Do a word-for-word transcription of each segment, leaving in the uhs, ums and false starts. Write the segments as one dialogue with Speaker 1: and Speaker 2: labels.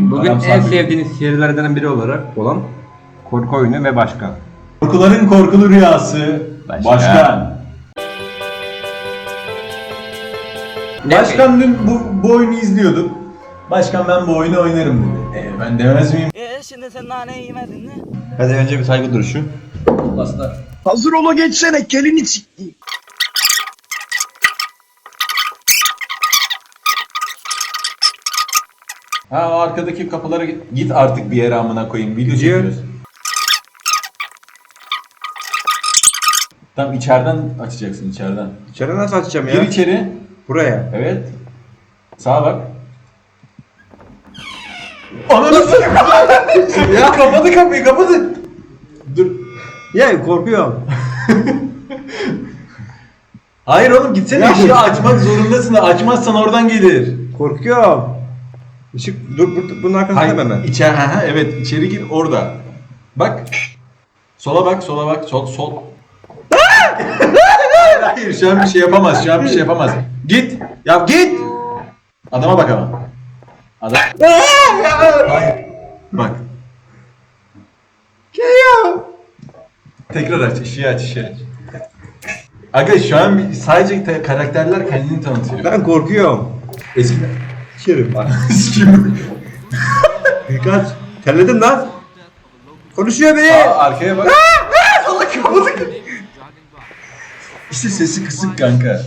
Speaker 1: Bugün
Speaker 2: Adam
Speaker 1: en
Speaker 2: sabit.
Speaker 1: sevdiğiniz serilerden biri olarak olan korku oyunu ve başkan.
Speaker 2: Korkuların korkulu rüyası.
Speaker 1: Başkan.
Speaker 2: Başkan. Başkan dün bu, bu oyunu izliyorduk. Başkan ben bu oyunu oynarım dedi. E, ben demez miyim?
Speaker 3: E şimdi sen naneyi yemedin mi?
Speaker 1: Hadi önce bir saygı duruşu.
Speaker 2: Baslar.
Speaker 4: Hazır ola geçsene kelini sikti.
Speaker 2: Ha o arkadaki kapılara git, git artık bir yere amına koyayım. Video
Speaker 1: Gidiyor.
Speaker 2: çekiyoruz. Tamam içeriden açacaksın içeriden.
Speaker 1: İçeri nasıl açacağım ya?
Speaker 2: Gir içeri.
Speaker 1: Buraya.
Speaker 2: Evet. Sağa bak. Ananı satayım. Ya kapadı kapıyı kapadı. Dur.
Speaker 1: Ya korkuyorum.
Speaker 2: Hayır oğlum gitsene
Speaker 1: Ya.
Speaker 2: ışığı açmak zorundasın. Açmazsan oradan gelir.
Speaker 1: Korkuyorum. Işık dur, dur bunun arkasında
Speaker 2: Hayır
Speaker 1: hemen.
Speaker 2: içeri ha, ha, evet içeri gir orada. Bak. Sola bak sola bak sol sol. hayır hayır şu an bir şey yapamaz şu an bir şey yapamaz. Git. Ya git. Adama bak ama. Adam. Hayır. Bak.
Speaker 1: Geliyor.
Speaker 2: Tekrar aç, ışığı aç, ışığı aç. Aga şu an bir- sadece te- karakterler kendini tanıtıyor.
Speaker 1: Ben korkuyorum.
Speaker 2: Eskiler.
Speaker 1: İçerim bak.
Speaker 2: Kim?
Speaker 1: Kaç. Terledim lan. Konuşuyor beni.
Speaker 2: Aa, arkaya bak. Allah kapadık. İşte sesi kısık kanka.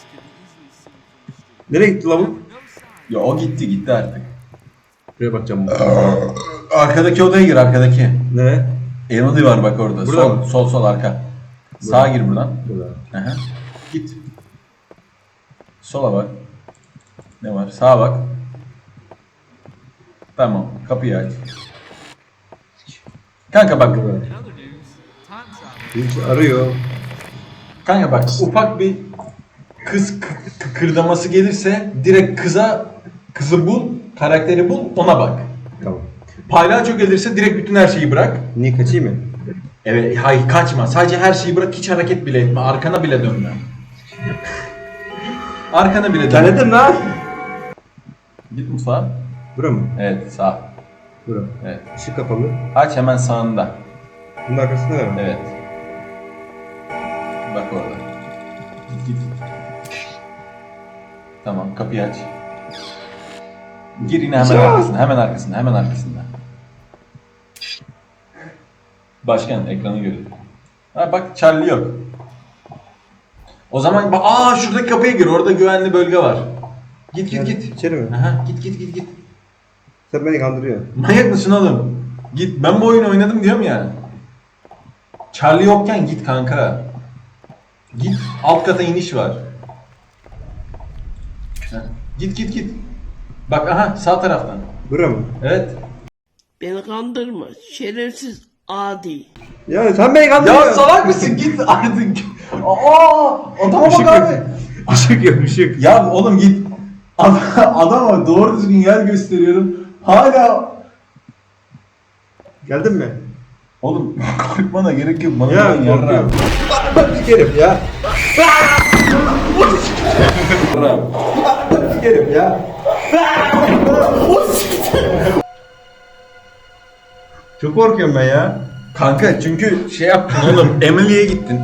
Speaker 1: Nereye gitti lavuk?
Speaker 2: Ya o gitti gitti artık.
Speaker 1: Buraya bakacağım.
Speaker 2: Arkadaki odaya gir arkadaki.
Speaker 1: Ne?
Speaker 2: Emily var bak orada.
Speaker 1: Burada
Speaker 2: sol,
Speaker 1: mı?
Speaker 2: sol sol arka. Sağa gir buradan.
Speaker 1: Burada.
Speaker 2: Aha. Git. Sola bak. Ne var? Sağa bak. Tamam. Kapıyı aç. Kanka bak.
Speaker 1: Birisi arıyor.
Speaker 2: Kanka bak ufak bir kız kı- kıkırdaması gelirse direkt kıza kızı bul, karakteri bul, ona bak.
Speaker 1: Tamam.
Speaker 2: Palyaço gelirse direkt bütün her şeyi bırak.
Speaker 1: Niye kaçayım mı?
Speaker 2: Evet, hayır kaçma. Sadece her şeyi bırak, hiç hareket bile etme. Arkana bile dönme. Arkana bile dönme.
Speaker 1: Terledim lan.
Speaker 2: Git mutfağa.
Speaker 1: Bura mı?
Speaker 2: Evet, sağ.
Speaker 1: Bura.
Speaker 2: Evet.
Speaker 1: Işık kapalı.
Speaker 2: Aç hemen sağında.
Speaker 1: Bunun arkasında ne var?
Speaker 2: Evet. Bak orada. Git git. Tamam, kapıyı aç. Gir yine hemen
Speaker 1: Ya.
Speaker 2: arkasında, hemen arkasında, hemen arkasında. Başkan ekranı görüyor. Ha bak Charlie yok. O zaman bak aa şuradaki kapıya gir. Orada güvenli bölge var. Git git git.
Speaker 1: İçeri mi?
Speaker 2: Aha, git git git git.
Speaker 1: Sen beni kandırıyorsun.
Speaker 2: Manyak mısın oğlum? Git. Ben bu oyunu oynadım diyorum ya. Charlie yokken git kanka. Git. Alt kata iniş var. Heh. Git git git. Bak aha sağ taraftan.
Speaker 1: Bura mı?
Speaker 2: Evet.
Speaker 3: Beni kandırma şerefsiz adi.
Speaker 1: Ya sen beni kandırıyorsun.
Speaker 2: Ya salak mısın? Git artık. Aa, adama
Speaker 1: Işık
Speaker 2: bak
Speaker 1: yok.
Speaker 2: abi.
Speaker 1: Işık yok ışık.
Speaker 2: Ya oğlum git. Adam, adama doğru düzgün yer gösteriyorum. Hala
Speaker 1: Geldin mi?
Speaker 2: oğlum korkmana gerek yok. Bana
Speaker 1: Ya
Speaker 2: ya, yarra.
Speaker 1: korkuyorum. Ben sikerim ya. Ben sikerim ya. Çok korkuyorum ben ya.
Speaker 2: Kanka çünkü şey yaptın oğlum. Emily'ye gittin.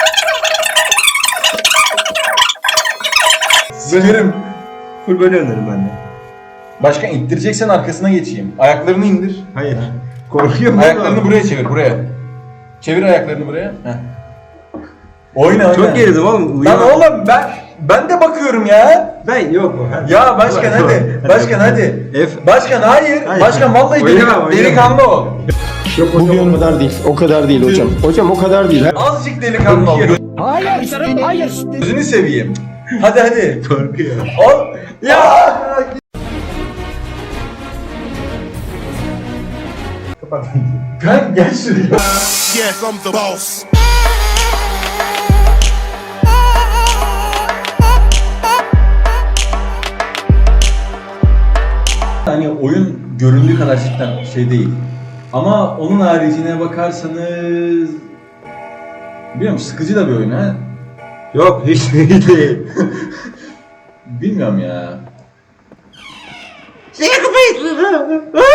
Speaker 2: Sikerim.
Speaker 1: Full böyle oynarım ben de.
Speaker 2: Başkan ittireceksen arkasına geçeyim. Ayaklarını indir.
Speaker 1: Hayır. Korkuyorum.
Speaker 2: Ayaklarını
Speaker 1: oğlum.
Speaker 2: buraya çevir buraya. Çevir ayaklarını buraya. Heh. Oyna oyna.
Speaker 1: Çok gerildim oğlum.
Speaker 2: Lan
Speaker 1: Uyuyorum.
Speaker 2: oğlum ben ben de bakıyorum ya.
Speaker 1: Ben yok. Hadi.
Speaker 2: Ya başkan
Speaker 1: Hadi,
Speaker 2: hadi.
Speaker 1: hadi.
Speaker 2: Başkan hadi.
Speaker 1: F.
Speaker 2: Başkan hayır.
Speaker 1: Hayır.
Speaker 2: Başkan vallahi
Speaker 1: Oynama,
Speaker 2: delikan-
Speaker 1: oynama.
Speaker 2: delikanlı ol.
Speaker 4: Bugün o kadar değil. O kadar değil hocam. Hocam o kadar değil.
Speaker 2: Azıcık delikanlı ol.
Speaker 4: Hayır. Hayır.
Speaker 2: Gözünü seveyim. Hadi hadi.
Speaker 1: Korkuyor.
Speaker 2: Ol. Ya.
Speaker 1: Kapat.
Speaker 2: Kanka gel şuraya.
Speaker 5: Yes, I'm the boss.
Speaker 2: Hani oyun göründüğü kadar cidden şey değil. Ama onun haricine bakarsanız bilmiyorum sıkıcı da bir oyun ha.
Speaker 1: Yok hiç değil.
Speaker 2: Bilmiyorum ya.
Speaker 1: Seni kapayın.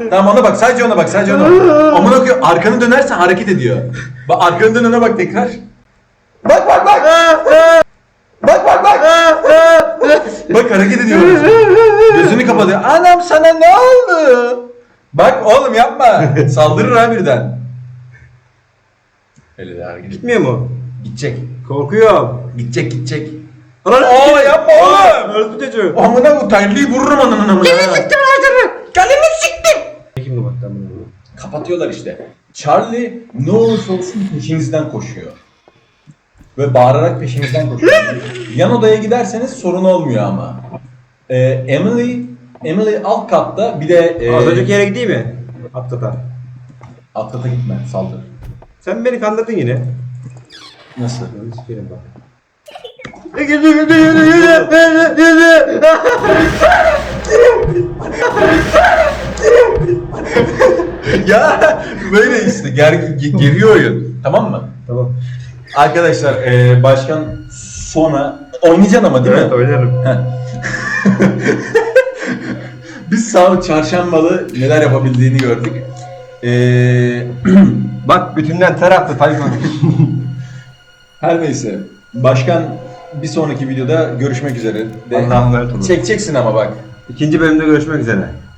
Speaker 2: Tamam ona bak, sadece ona bak, sadece ona bak. Amına koyayım, arkanı dönersen hareket ediyor. Bak arkanı dön, ona bak tekrar. Bak bak bak. Bak bak bak. Bak hareket ediyor. Gözünü kapatıyor. Anam sana ne oldu? Bak oğlum yapma. Saldırır ha birden. Öyle de hareket.
Speaker 1: Gitmiyor mu?
Speaker 2: Gidecek.
Speaker 1: Korkuyorum.
Speaker 2: Gidecek gidecek.
Speaker 1: Lan
Speaker 2: Oo yapma oğlum.
Speaker 1: Öldü çocuğu.
Speaker 2: Amına bu terliği vururum ananın amına. Kalemi siktim ağzını. Kalemi siktim.
Speaker 1: Kim bu bak lan bunu?
Speaker 2: Kapatıyorlar işte. Charlie ne olursa olsun peşinizden koşuyor. Ve bağırarak peşinizden koşuyor. Yan odaya giderseniz sorun olmuyor ama. Ee, Emily Emily alt katta, bir de e,
Speaker 1: Az önceki yere gideyim mi? Atlata.
Speaker 2: alt kata gitme, saldır.
Speaker 1: Sen beni kandırdın yine.
Speaker 2: Nasıl?
Speaker 1: Ben sikerim bak.
Speaker 2: Ya böyle işte ger ge- geriyor oyun. Tamam mı?
Speaker 1: Tamam.
Speaker 2: Arkadaşlar e, başkan sonra oynayacaksın ama değil
Speaker 1: Evet
Speaker 2: mi?
Speaker 1: oynarım.
Speaker 2: Heh. Biz sağ çarşambalı neler yapabildiğini gördük. Ee,
Speaker 1: Bak bütünden taraftı Tayfun.
Speaker 2: her neyse. Başkan bir sonraki videoda görüşmek üzere. De,
Speaker 1: Allah'a emanet olun.
Speaker 2: çekeceksin ama bak.
Speaker 1: İkinci bölümde görüşmek üzere.